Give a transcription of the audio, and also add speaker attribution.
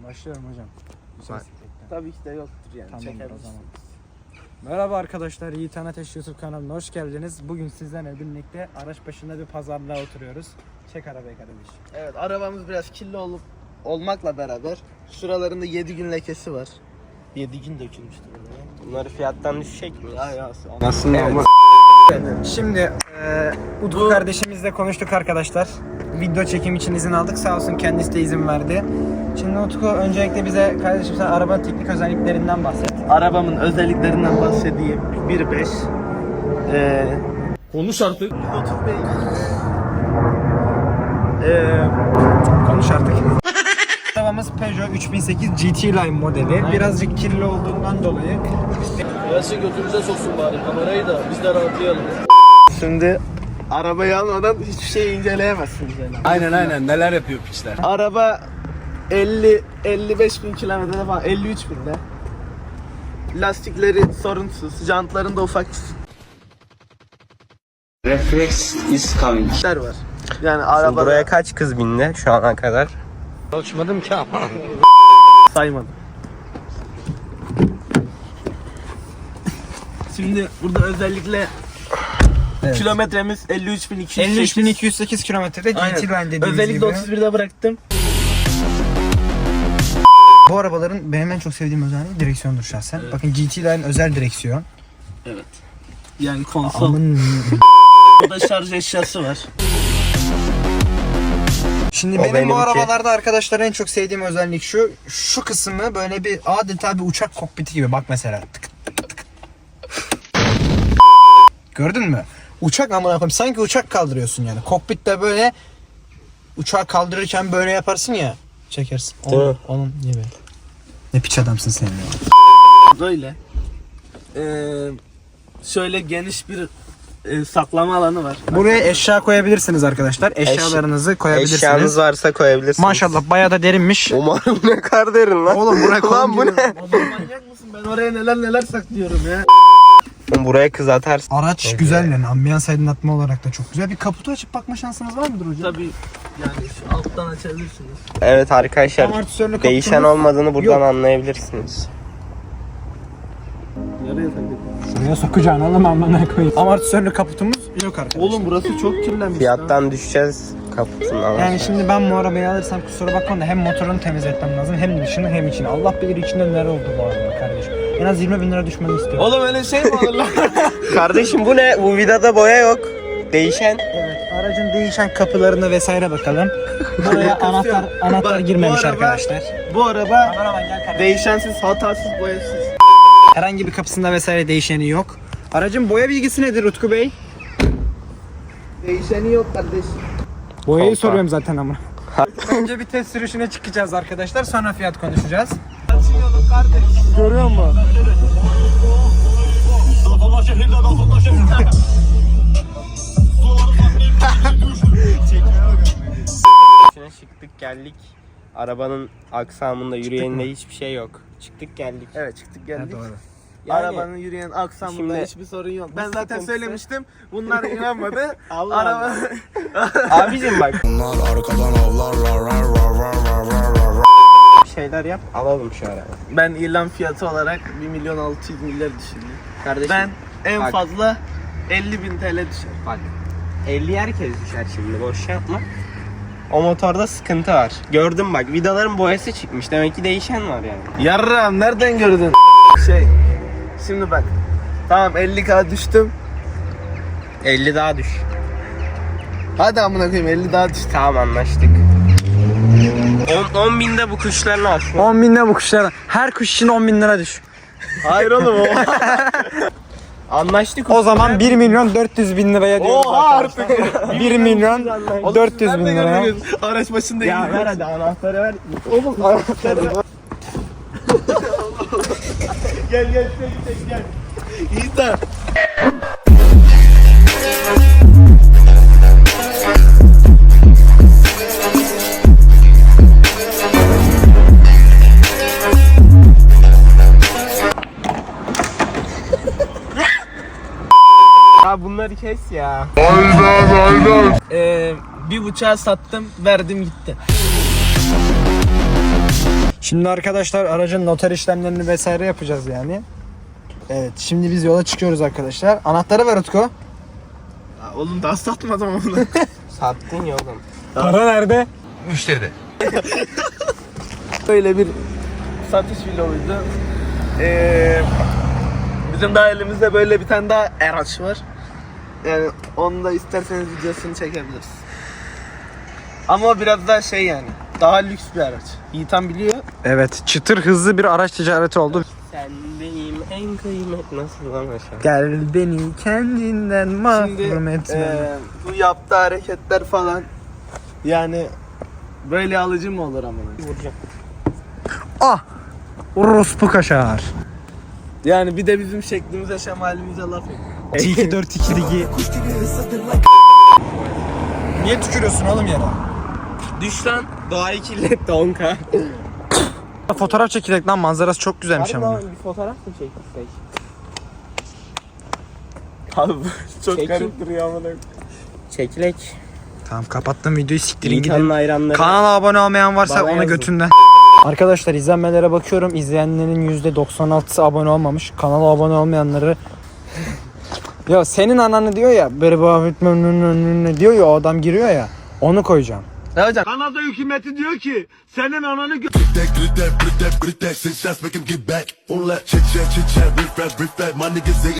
Speaker 1: Başlıyorum hocam.
Speaker 2: Tabii ki de yoktur yani.
Speaker 1: Tamamdır o zaman.
Speaker 2: Çekebilirsiniz.
Speaker 1: Merhaba arkadaşlar, Yiğit Anateş YouTube kanalına hoş geldiniz. Bugün sizlerle birlikte araç başında bir pazarlığa oturuyoruz. Çek arabayı kardeş.
Speaker 2: Evet, arabamız biraz kirli olmakla beraber şuralarında 7 gün lekesi var. 7 gün dökülmüştür oraya.
Speaker 3: Bunları fiyattan düşecek mi?
Speaker 2: Ya
Speaker 3: Aslında ama
Speaker 1: Şimdi Utku kardeşimizle konuştuk arkadaşlar. Video çekim için izin aldık. Sağ olsun kendisi de izin verdi. Şimdi Utku öncelikle bize kardeşim sen arabanın teknik özelliklerinden bahset.
Speaker 2: Arabamın özelliklerinden bahsedeyim. 1.5
Speaker 3: konuş artık.
Speaker 2: 130 beygir.
Speaker 1: Konuş artık. Arabamız Peugeot 3008 GT Line modeli. Birazcık kirli olduğundan dolayı.
Speaker 3: Gelsin götümüze soksun bari kamerayı da biz de rahatlayalım.
Speaker 2: Şimdi arabayı almadan hiçbir şey inceleyemezsiniz yani.
Speaker 3: Aynen neler yapıyor piçler.
Speaker 2: Araba 50-55 bin kilometrede falan, 53 binde. Lastikleri sorunsuz, jantlarında ufak
Speaker 3: Reflex is coming.
Speaker 2: işler var. Yani araba
Speaker 3: Buraya kaç kız bindi şu ana kadar? Ölçmedim ki ama.
Speaker 2: saymadım. Şimdi burada özellikle kilometremiz 53.208.
Speaker 1: 53.208 kilometrede GT Line dediğimiz
Speaker 2: Özellikle
Speaker 1: gibi.
Speaker 2: 31'de bıraktım.
Speaker 1: Bu arabaların benim en çok sevdiğim özelliği direksiyondur şahsen. Evet. Bakın GT Line özel direksiyon.
Speaker 2: Evet. Yani konsol. Burada şarj eşyası var.
Speaker 1: Şimdi
Speaker 3: O
Speaker 1: benim bu
Speaker 3: benimki.
Speaker 1: arabalarda arkadaşlar en çok sevdiğim özellik şu. Şu kısmı böyle bir adeta bir uçak kokpiti gibi. Bak mesela. Tık tık tık. Gördün mü? Uçak amına koyayım. Sanki uçak kaldırıyorsun yani. Kokpitte böyle uçağı kaldırırken böyle yaparsın ya. Çekersin. Onun gibi. Ne piç adamsın sen ya.
Speaker 2: Böyle. Şöyle geniş bir saklama alanı var.
Speaker 1: Buraya eşya koyabilirsiniz arkadaşlar. Eşyalarınızı koyabilirsiniz.
Speaker 3: Eşyanız varsa koyabilirsiniz.
Speaker 1: Maşallah bayağı da derinmiş.
Speaker 3: Umarım ne kar derin lan.
Speaker 1: Oğlum buraya
Speaker 3: Lan bu ne?
Speaker 2: Oğlum manyak mısın? Ben oraya neler saklıyorum ya.
Speaker 3: Buraya kız atarsın.
Speaker 1: Araç güzel yani. Ambiyans aydınlatma olarak da çok güzel. Bir kaputu açıp bakma şansınız var mıdır hocam?
Speaker 2: Tabii yani şu alttan açabilirsiniz.
Speaker 3: Evet arkadaşlar.
Speaker 1: Amortisörlü
Speaker 3: Değişen
Speaker 1: kaputumuz
Speaker 3: olmadığını buradan
Speaker 1: yok.
Speaker 3: anlayabilirsiniz.
Speaker 2: Yarıya takıldım.
Speaker 1: Şuraya sokacağını oğlum amına koyayım. Amortisörlü kaputumuz yok arkadaşlar.
Speaker 2: Oğlum burası çok kirlenmiş.
Speaker 3: Fiyattan düşeceğiz kaputundan.
Speaker 1: Yani şimdi ben bu arabayı alırsam kusura bakma da hem motorunu temizletmem lazım hem dışını hem içini. Allah bilir içinde neler oldu bu araba kardeşim. En az 20 bin lira düşmeni istiyorum.
Speaker 2: Oğlum öyle şey mi olur lan?
Speaker 3: Kardeşim bu ne? Bu vidada boya yok. Değişen.
Speaker 1: Evet, aracın değişen kapılarına vesaire bakalım. Buraya anahtar
Speaker 2: Bak,
Speaker 1: girmemiş
Speaker 2: bu araba-
Speaker 1: arkadaşlar.
Speaker 2: Bu araba
Speaker 1: Kameraman gel kardeşim.
Speaker 2: değişensiz, hatasız, boyasız.
Speaker 1: Herhangi bir kapısında vesaire değişeni yok. Aracın boya bilgisi nedir Utku Bey?
Speaker 2: Değişeni yok kardeşim.
Speaker 1: Boyayı
Speaker 3: Kolpa.
Speaker 1: soruyorum zaten ama. Önce bir test sürüşüne çıkacağız arkadaşlar. Sonra fiyat konuşacağız.
Speaker 2: Açıyorum kardeş.
Speaker 1: Görüyor musun?
Speaker 3: İçine çıktık geldik. Arabanın aksamında yürüyeninde hiçbir şey yok. Çıktık geldik.
Speaker 2: Evet çıktık geldik.
Speaker 1: doğru.
Speaker 3: Yani-
Speaker 2: Arabanın yürüyen aksamında
Speaker 3: Şimdi-
Speaker 2: hiçbir sorun yok. Ben
Speaker 3: Bir
Speaker 2: zaten
Speaker 3: sıkıntısı-
Speaker 2: söylemiştim. Bunlar inanmadı.
Speaker 3: Allah
Speaker 2: Araba
Speaker 3: Abicim bak. Bir şeyler yap alalım şu arabayı.
Speaker 2: ben ilan fiyatı olarak 1.600.000 düşündüm.
Speaker 3: Kardeşim
Speaker 2: Ben en
Speaker 3: bak.
Speaker 2: fazla 50.000 TL düşer.
Speaker 3: Bak 50 herkes düşer şimdi boş yapma. O motorda sıkıntı var. Gördüm bak vidaların boyası çıkmış. Demek ki değişen var yani.
Speaker 2: Yarram nereden gördün? Şimdi bak. Tamam 50k düştüm.
Speaker 3: 50 daha düş.
Speaker 2: Hadi amına koyayım 50 daha düştüm.
Speaker 3: Tamam anlaştık. 10 binde bu kuşlarını al.
Speaker 1: 10 bin lira bu kuşlara. Her kuş için 10 bin lira düş.
Speaker 2: Hayır oğlum o.
Speaker 3: Anlaştık.
Speaker 1: O zaman 1 milyon 400 bin liraya diyoruz
Speaker 2: Oha
Speaker 1: arkadaşlar.
Speaker 2: artık.
Speaker 1: 1 milyon 400 bin
Speaker 2: Nereden
Speaker 1: liraya.
Speaker 2: gördünüz? Araç başında
Speaker 3: Ya
Speaker 2: iyi.
Speaker 3: ver hadi anahtarı ver.
Speaker 2: Oğlum anahtarı. Gel gel. İyi de.
Speaker 3: Ya bunları kes ya.
Speaker 2: Bir bıçağı sattım, verdim gitti.
Speaker 1: Şimdi arkadaşlar aracın noter işlemlerini vesaire yapacağız yani. Evet, şimdi biz yola çıkıyoruz arkadaşlar. Anahtarı ver Utku.
Speaker 2: Ya oğlum daha satmadım onu.
Speaker 3: Sattın ya oğlum.
Speaker 1: Para nerede?
Speaker 4: Müşteride.
Speaker 2: Böyle bir satış vloguydu. Bizim daha elimizde böyle bir tane daha araç var. Yani onu da isterseniz videosunu çekebiliriz. Ama biraz daha şey yani. Daha lüks bir araç. Yiğitan biliyor.
Speaker 1: Evet, çıtır hızlı bir araç ticareti oldu.
Speaker 3: Sen benim en kıymet nasıl lan aşağı?
Speaker 1: Gel beni kendinden mahrum
Speaker 2: Şimdi
Speaker 1: etme.
Speaker 2: bu yaptığı hareketler falan yani böyle alıcı mı olur ama?
Speaker 3: Vuracağım.
Speaker 1: Ah! Orospu kaşar.
Speaker 2: Yani bir de bizim şeklimize şemalimize laf et.
Speaker 1: 2-4-2 ligi. Niye tükürüyorsun oğlum yere?
Speaker 3: Düş lan. Doğayı kirlet donka.
Speaker 1: Fotoğraf çekilek lan, manzarası çok güzelmiş
Speaker 3: Harbi
Speaker 1: ama.
Speaker 3: lan, bir fotoğraf mı çekilsek?
Speaker 2: Abi çok
Speaker 3: Çekin.
Speaker 2: garip duruyor ama.
Speaker 3: Çekilek.
Speaker 1: Tamam, kapattım videoyu, siktirin
Speaker 3: İlkan'ın
Speaker 1: gidin.
Speaker 3: hayranları.
Speaker 1: Kanala abone olmayan varsa
Speaker 3: Bana
Speaker 1: ona
Speaker 3: yazın.
Speaker 1: götünden. Arkadaşlar izlenmelere bakıyorum. İzleyenlerin %96'sı abone olmamış. Kanala abone olmayanları... Ya senin ananı diyor ya, böyle ne diyor ya, o adam giriyor ya. Onu koyacağım.
Speaker 2: Ne hocam?
Speaker 5: Kanada hükümeti diyor ki senin ananı
Speaker 4: Grit that, six shots make him get back. On that chit chat, my niggas they